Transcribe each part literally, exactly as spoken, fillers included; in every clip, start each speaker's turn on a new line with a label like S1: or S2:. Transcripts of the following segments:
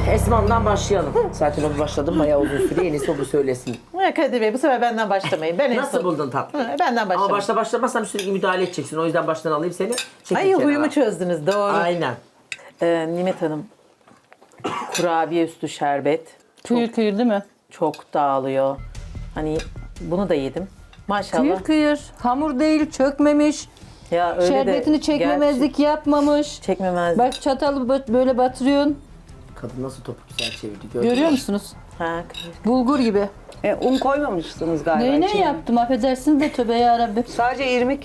S1: Esma'dan başlayalım. Zaten o başladım bayağı uzun süre. En iyisi o bu söylesin.
S2: Ya Kadir Bey bu sefer benden başlamayın. Ben en
S1: Nasıl
S2: son-
S1: buldun tatlı?
S2: Hı, Benden başlamayın.
S1: Ama başta başlamazsam sürekli müdahale edeceksin. O yüzden baştan alayım seni. Çekil
S2: Ay
S1: kenara.
S2: huyumu çözdünüz doğru.
S1: Aynen.
S2: Ee, Nimet Hanım. Kurabiye üstü şerbet.
S3: Kıyır kıyır değil mi?
S2: Çok dağılıyor. Hani bunu da yedim. Maşallah.
S3: Kıyır kıyır. Hamur değil, çökmemiş.
S2: Ya öyle de
S3: Şerbetini çekmemezlik yapmamış.
S2: gerçi- Çekmemezlik.
S3: Bak çatalı bö- böyle batırıyorsun.
S1: Kadın nasıl topu güzel çevirdi gördün
S3: Görüyor
S1: mü?
S3: musunuz?
S2: Ha, kıyır.
S3: Bulgur gibi.
S4: E, un koymamışsınız galiba.
S3: Neyine
S4: içine.
S3: yaptım affedersiniz de tövbe yarabbim.
S4: Sadece irmik.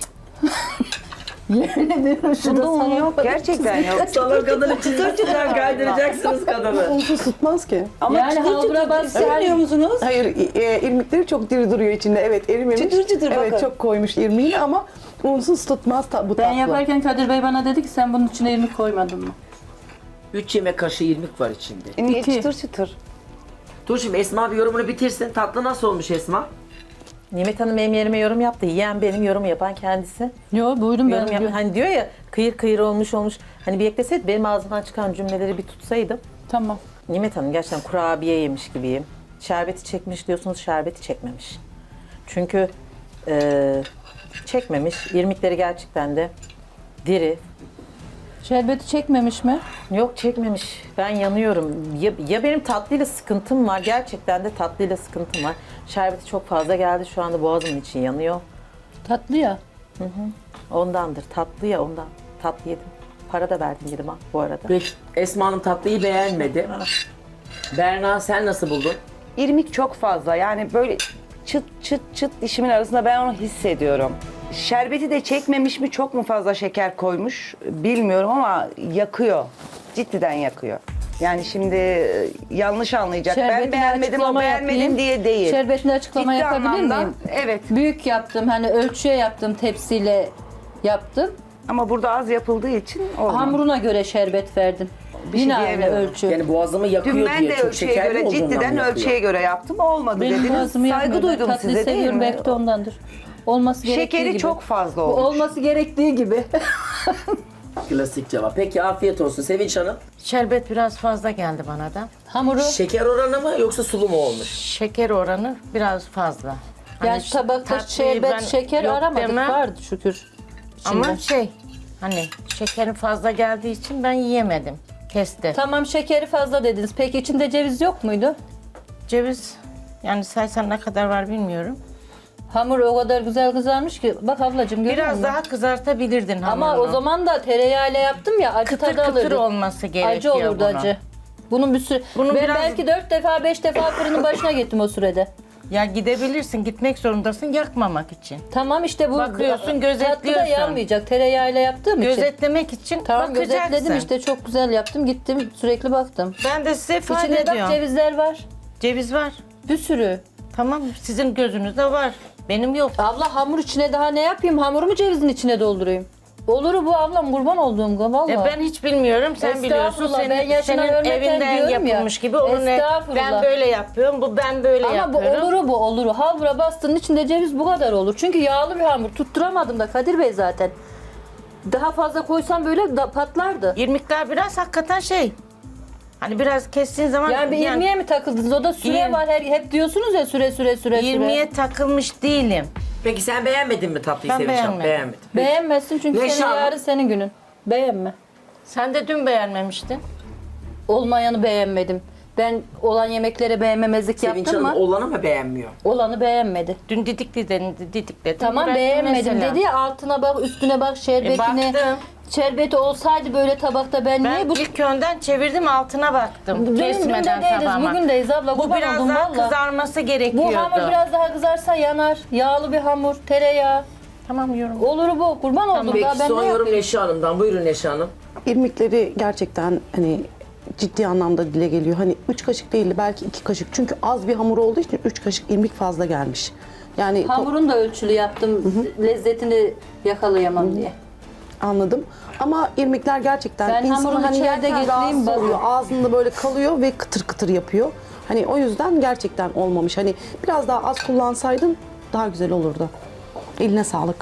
S3: Yemin ediyorum şurada
S4: Bunda un
S3: sana-
S4: yok. Gerçekten yok.
S1: Salon kadını çıtır çıtır kaydıracaksınız kadını.
S5: Unsuz tutmaz ki.
S4: Ama
S3: Yani
S4: çıtır
S3: halbura
S4: çıtır
S3: bas-
S4: söylüyor musunuz?
S5: Hayır, e, irmikleri çok diri duruyor içinde. Evet, erimemiş.
S4: Çıtır çıtır
S5: Evet,
S4: bakın.
S5: çok koymuş irmiğini ama unsuz tutmaz ta- bu
S3: Ben
S5: tatlı.
S3: yaparken Kadir Bey bana dedi ki sen bunun içine irmik koymadın mı?
S1: üç yemek kaşığı irmik var içinde.
S4: E, niye
S3: İki.
S4: çıtır çıtır?
S1: Dur şimdi Esma bir yorumunu bitirsin. Tatlı nasıl olmuş Esma?
S2: Nimet Hanım benim yerime yorum yaptı. Yiyen benim, yorum yapan kendisi.
S3: Yo buyurun ben.
S2: Yorum yap- hani diyor ya kıyır kıyır olmuş olmuş. Hani bir ekleseydi benim ağzımdan çıkan cümleleri bir tutsaydım.
S3: Tamam.
S2: Nimet Hanım gerçekten kurabiye yemiş gibiyim. Şerbeti çekmiş diyorsunuz, şerbeti çekmemiş. Çünkü eee, çekmemiş. İrmikleri gerçekten de diri.
S3: Şerbeti çekmemiş mi?
S2: Yok çekmemiş. Ben yanıyorum. Ya, ya benim tatlıyla sıkıntım var. Gerçekten de tatlıyla sıkıntım var. Şerbeti çok fazla geldi. Şu anda boğazımın için yanıyor.
S3: Tatlı ya.
S2: Ondandır. Tatlı ya ondan. Tatlı yedim. Para da verdim yedim ha bu arada.
S1: Peki Esma Hanım tatlıyı beğenmedi. Berna sen nasıl buldun?
S4: İrmik çok fazla. Yani böyle çıt çıt çıt dişimin arasında ben onu hissediyorum. Şerbeti de çekmemiş mi, çok mu fazla şeker koymuş bilmiyorum ama yakıyor. Ciddiden yakıyor. Yani şimdi e, yanlış anlayacak. Ben
S3: Şerbetini
S4: beğenmedim o
S3: açıklama
S4: beğenmedim
S3: yapayım.
S4: diye değil.
S3: Şerbetini açıklama
S4: Ciddi
S3: yapabilir
S4: anlamda,
S3: miyim?
S4: evet.
S3: Büyük yaptım hani ölçüye yaptım tepsiyle yaptım.
S4: Ama burada az yapıldığı için olmadı.
S3: Hamuruna göre şerbet verdim.
S4: Bir şey
S3: Yine aynı
S4: diyemiyorum.
S3: ölçü.
S1: Yani boğazımı yakıyor
S4: Dün ben
S1: diye
S4: de
S1: çok
S4: ölçüye
S1: şekerli
S4: göre,
S1: olduğundan
S4: ciddiden
S1: mı yakıyor?
S4: ölçüye göre yaptım. Olmadı
S3: Benim
S4: dediniz.
S3: boğazımı
S4: Saygı
S3: yakmıyor. Ben
S4: duydum
S3: tatlıyı
S4: size değil
S3: seviyorum,
S4: mi?
S3: belki de ondandır. Olması gerektiği
S4: Şekeri
S3: gibi.
S4: çok fazla
S3: Bu
S4: olmuş.
S3: olması gerektiği gibi.
S1: Klasik cevap. Peki afiyet olsun Sevinç Hanım.
S6: Şerbet biraz fazla geldi bana da.
S3: Hamuru
S1: Şeker oranı mı yoksa sulu mu olmuş?
S6: Şeker oranı biraz fazla.
S3: yani
S6: Hani
S3: tabakta
S6: tatlıyı
S3: şerbet
S6: ben
S3: şeker
S6: yok
S3: aramadık
S6: demem.
S3: vardı şükür.
S6: Ama
S3: içinde.
S6: şey hani şekerin fazla geldiği için ben yiyemedim. Kesti.
S3: Tamam şekeri fazla dediniz. Peki içinde ceviz yok muydu?
S6: Ceviz yani saysan ne kadar var bilmiyorum.
S3: Hamur o kadar güzel kızarmış ki. Bak ablacığım görüyor
S6: Biraz
S3: musun?
S6: daha kızartabilirdin
S3: Ama
S6: hamurunu.
S3: o zaman da tereyağıyla yaptım ya acı
S6: kıtır
S3: tadı
S6: kıtır
S3: alırdı.
S6: olması gerekiyor
S3: Acı olurdu
S6: bunun.
S3: acı. Bunun bir sürü...
S6: Bunu
S3: ben
S6: biraz-
S3: belki dört defa beş defa fırının başına gittim o sürede.
S6: Ya gidebilirsin, gitmek zorundasın yakmamak için.
S3: Tamam işte bu
S6: Bakıyorsun,
S3: tatlı da
S6: gözetliyorsun.
S3: yanmayacak tereyağıyla yaptığım için.
S6: Gözetlemek için
S3: Tamam
S6: bakacaksın.
S3: gözetledim işte çok güzel yaptım gittim sürekli baktım.
S6: Ben de size ifade
S3: İçinde bak
S6: ediyorum.
S3: cevizler var.
S6: Ceviz var.
S3: Bir sürü.
S6: Tamam sizin gözünüzde var. Benim yok.
S3: Abla hamur içine daha ne yapayım? Hamurumu cevizin içine doldurayım. Olur bu ablam kurban olduğum gibi valla.
S6: E ben hiç bilmiyorum. Sen biliyorsun.
S3: Estağfurullah,
S6: Senin,
S3: ben yaşına
S6: senin
S3: ölmeden
S6: evinden
S3: diyorum ya.
S6: yapılmış gibi. Onun ne?
S3: Estağfurullah.
S6: Ben böyle yapıyorum. Bu ben böyle
S3: Ama bu
S6: yapıyorum.
S3: oluru bu oluru. Halvura bastığın içinde ceviz bu kadar olur. Çünkü yağlı bir hamur. Tutturamadım da Kadir Bey zaten. Daha fazla koysam böyle da patlardı.
S6: İrmikler biraz hakikaten şey. Hani biraz kestiğin zaman
S3: Yani bir irmiğe mi takıldınız? O da süre
S6: Yirmi-
S3: var. Her, hep diyorsunuz ya süre süre süre süre.
S6: irmiğe takılmış değilim.
S1: Peki sen beğenmedin mi tatlıyı
S6: Ben
S1: Sevinç Hanım?
S6: beğenmedim.
S1: Beğenmedim.
S3: Beğenmezsin çünkü
S1: Neşe
S3: senin
S1: Hanım.
S3: yarın senin günün. Beğenme.
S6: Sen de dün beğenmemiştin.
S3: Olmayanı beğenmedim. Ben olan yemeklere beğenmemezlik
S1: Sevinç
S3: yaptım
S1: Hanım
S3: mı?
S1: olanı mı beğenmiyor?
S3: Olanı beğenmedi.
S6: Dün didikli dedin, didikledin.
S3: Tamam
S6: bıraktın
S3: beğenmedim
S6: mesela.
S3: dedi ya altına bak üstüne bak
S6: E,
S3: şerbetine.
S6: baktım.
S3: Şerbeti olsaydı böyle tabakta ben,
S6: Ben
S3: niye bu
S6: ilk önden çevirdim altına baktım.
S3: Dün- dün
S6: Kesmeden
S3: de değiliz,
S6: tabağıma.
S3: bugündeyiz abla,
S6: Bu
S3: kurban
S6: biraz
S3: oldum
S6: daha
S3: valla.
S6: kızarması gerekiyordu.
S3: bu hamur biraz daha kızarsa yanar. Yağlı bir hamur, tereyağı.
S6: Tamam yorum.
S3: Olur bu. Kurban oldum
S1: Peki
S3: daha ben
S1: son
S3: ne
S1: yorum
S3: yapayım?
S1: Neşe Hanım'dan. Buyurun Neşe Hanım.
S5: İrmikleri gerçekten hani ciddi anlamda dile geliyor. Hani üç kaşık değil belki iki kaşık. Çünkü az bir hamur olduğu için üç kaşık irmik fazla gelmiş. Yani to-
S3: Hamurunu da ölçülü yaptım. Lezzetini yakalayamam diye.
S5: anladım. Ama irmikler gerçekten
S3: Ben
S5: insanı
S3: hamurunu
S5: hani
S3: içeride
S5: yerken
S3: getireyim,
S5: rahatsız
S3: bak.
S5: oluyor. Ağzında böyle kalıyor ve kıtır kıtır yapıyor. Hani o yüzden gerçekten olmamış. Hani biraz daha az kullansaydın daha güzel olurdu. Eline sağlık.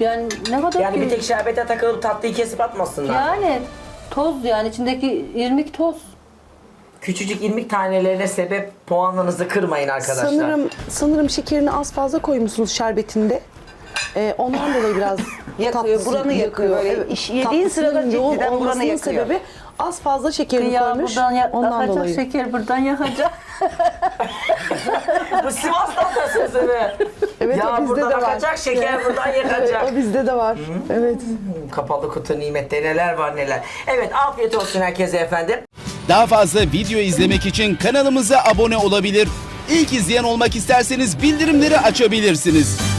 S3: Yani ne kadar
S1: Yani
S3: ki-
S1: bir tek şerbete takılıp tatlıyı kesip atmasınlar.
S3: Yani toz yani içindeki irmik toz.
S1: Küçücük irmik tanelerine sebep puanlarınızı kırmayın arkadaşlar.
S5: Sanırım sanırım şekerini az fazla koymuşsunuz şerbetinde. Ee, ondan dolayı biraz
S4: Yakıyor,
S5: tatlısı-
S4: buranı yakıyor. Böyle iş- yediğin
S5: Tatlısının
S4: sırada
S5: yoğun
S4: cidden buranı
S5: olmasının
S4: yakıyor.
S5: sebebi az fazla şekerini
S3: Ya
S5: koymuş.
S3: buradan ya-
S5: Ondan
S3: yakacak
S5: dolayı.
S3: şeker buradan yakacak.
S1: Bu Sivas tatlısısı mı?
S5: Evet,
S1: ya
S5: o bizde
S1: buradan
S5: de var.
S1: akacak, şeker buradan yakacak.
S5: O bizde de var. Evet.
S1: Kapalı kutu nimette neler var neler. Evet, afiyet olsun herkese efendim.
S7: Daha fazla video izlemek için kanalımıza abone olabilir. İlk izleyen olmak isterseniz bildirimleri açabilirsiniz.